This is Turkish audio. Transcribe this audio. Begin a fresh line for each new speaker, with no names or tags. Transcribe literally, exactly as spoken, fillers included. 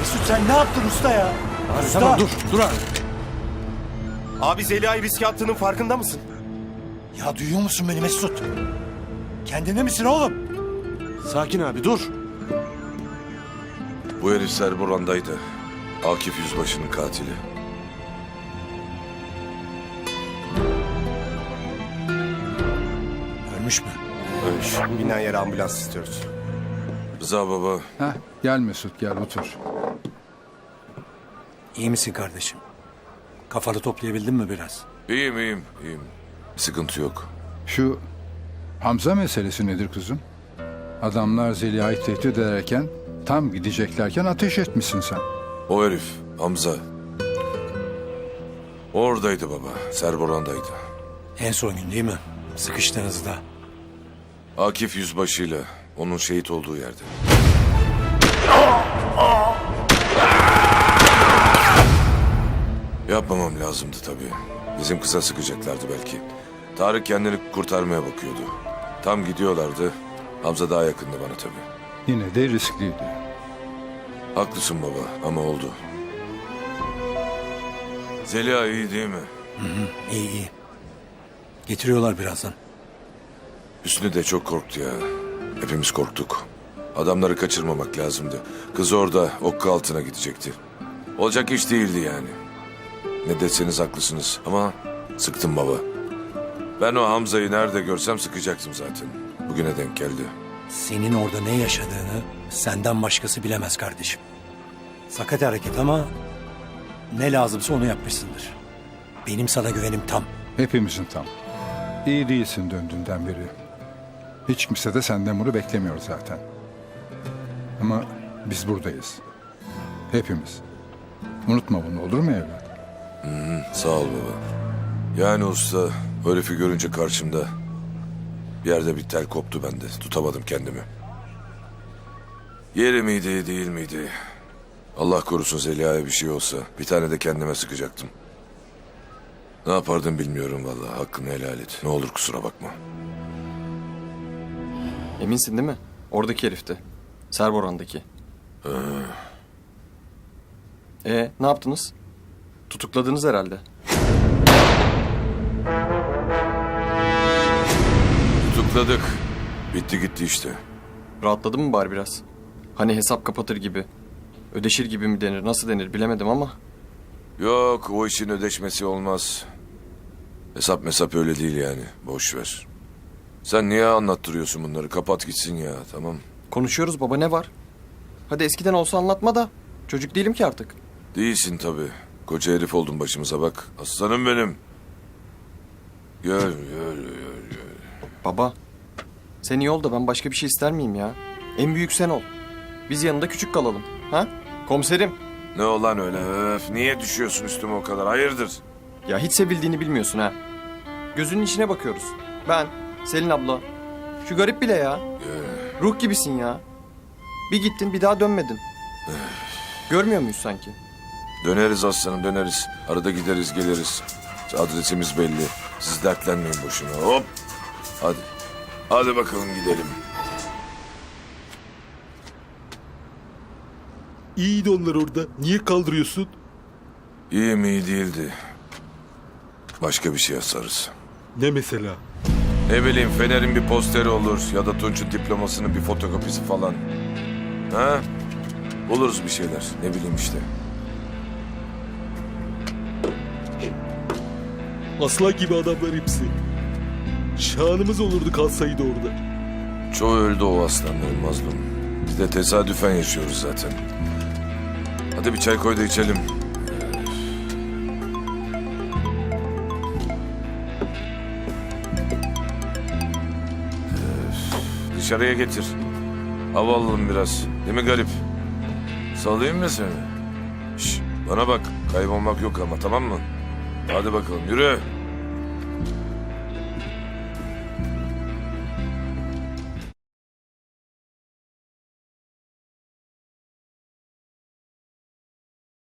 Mesut sen ne yaptın usta ya?
Abi
Usta!
tamam dur, dur abi.
Abi Zeliha'yı riske attığının farkında mısın?
Ya duyuyor musun beni Mesut? Kendinde misin oğlum?
Sakin abi dur.
Bu herif Serboran'daydı. Akif Yüzbaşı'nın katili.
Ölmüş mü?
Ölmüş. Binen yere ambulans istiyoruz.
Rıza baba,
Heh, gel Mesut gel otur.
İyi misin kardeşim? Kafanı toplayabildin mi biraz?
iyiyim iyiyim iyiyim. Sıkıntı yok.
Şu Hamza meselesi nedir kızım? Adamlar Zeliha'yı tehdit ederken tam gideceklerken ateş etmişsin sen.
O herif, Hamza. Oradaydı baba, Serboran'daydı.
En son gün değil mi? Sıkıştığınızda.
Akif Yüzbaşı'yla onun şehit olduğu yerde. Yapmamam lazımdı tabii. Bizim kıza sıkacaklardı belki. Tarık kendini kurtarmaya bakıyordu. Tam gidiyorlardı. Hamza daha yakındı bana tabii.
Yine de riskliydi.
Haklısın baba ama oldu. Zeliha iyi değil mi?
İyi iyi. Getiriyorlar birazdan.
Hüsnü de çok korktu ya. Hepimiz korktuk. Adamları kaçırmamak lazımdı. Kız orada okka altına gidecekti. Olacak iş değildi yani. Ne deseniz haklısınız ama sıktım baba. Ben o Hamza'yı nerede görsem sıkacaktım zaten. Bugüne denk geldi.
Senin orada ne yaşadığını senden başkası bilemez kardeşim. Sakat hareket ama ne lazımsa onu yapmışsındır. Benim sana güvenim tam.
Hepimizin tam. İyi değilsin döndüğünden beri. Hiç kimse de senden bunu beklemiyor zaten. Ama biz buradayız. Hepimiz. Unutma bunu olur mu evlat?
Sağ ol baba. Yani usta o herifi görünce karşımda bir yerde bir tel koptu bende. Tutamadım kendimi. Yeri miydi değil miydi? Allah korusun Zeliha'ya bir şey olsa bir tane de kendime sıkacaktım. Ne yapardım bilmiyorum vallahi. Hakkını helal et. Ne olur kusura bakma.
Eminsin değil mi? Oradaki herifti. Serboran'daki. Ee, ne yaptınız? Tutukladınız herhalde.
Tutukladık. Bitti gitti işte.
Rahatladın mı bari biraz? Hani hesap kapatır gibi. Ödeşir gibi mi denir, nasıl denir bilemedim ama.
Yok o işin ödeşmesi olmaz. Hesap mesap öyle değil yani. Boş ver. Sen niye anlattırıyorsun bunları? Kapat gitsin ya tamam.
Konuşuyoruz baba, ne var? Hadi eskiden olsa anlatma da. Çocuk değilim ki artık.
Değilsin tabii. Koca herif oldun başımıza bak. Aslanım benim. Gel gel gel gel.
Baba, sen iyi ol da ben başka bir şey ister miyim ya? En büyük sen ol. Biz yanında küçük kalalım. Ha? Komiserim.
Ne olan öyle öf. Niye düşüyorsun üstüme o kadar? Hayırdır?
Ya hiç sevildiğini bilmiyorsun ha. Gözünün içine bakıyoruz. Ben, Selin abla. Şu garip bile ya. Ruh gibisin ya. Bir gittin bir daha dönmedin. Görmüyor muyuz sanki?
Döneriz aslanım döneriz. Arada gideriz geliriz. Adresimiz belli. Siz dertlenmeyin boşuna. Hop. Hadi. Hadi bakalım gidelim.
İyiydi onlar orada. Niye kaldırıyorsun?
İyi mi iyi değildi. Başka bir şey asarız.
Ne mesela?
Ne bileyim Fener'in bir posteri olur ya da Tunç'un diplomasının bir fotokopisi falan. Ha? Buluruz bir şeyler. Ne bileyim işte.
Aslan gibi adamlar hepsi. Şanımız olurdu kalsaydı orada.
Çoğu öldü o aslanların mazlum. Biz de tesadüfen yaşıyoruz zaten. Hadi bir çay koy da içelim. Dışarıya getir. Hava alalım biraz. Değil mi garip? Salayım mı seni? Şş, bana bak. Kaybolmak yok ama tamam mı? Hadi bakalım yürü.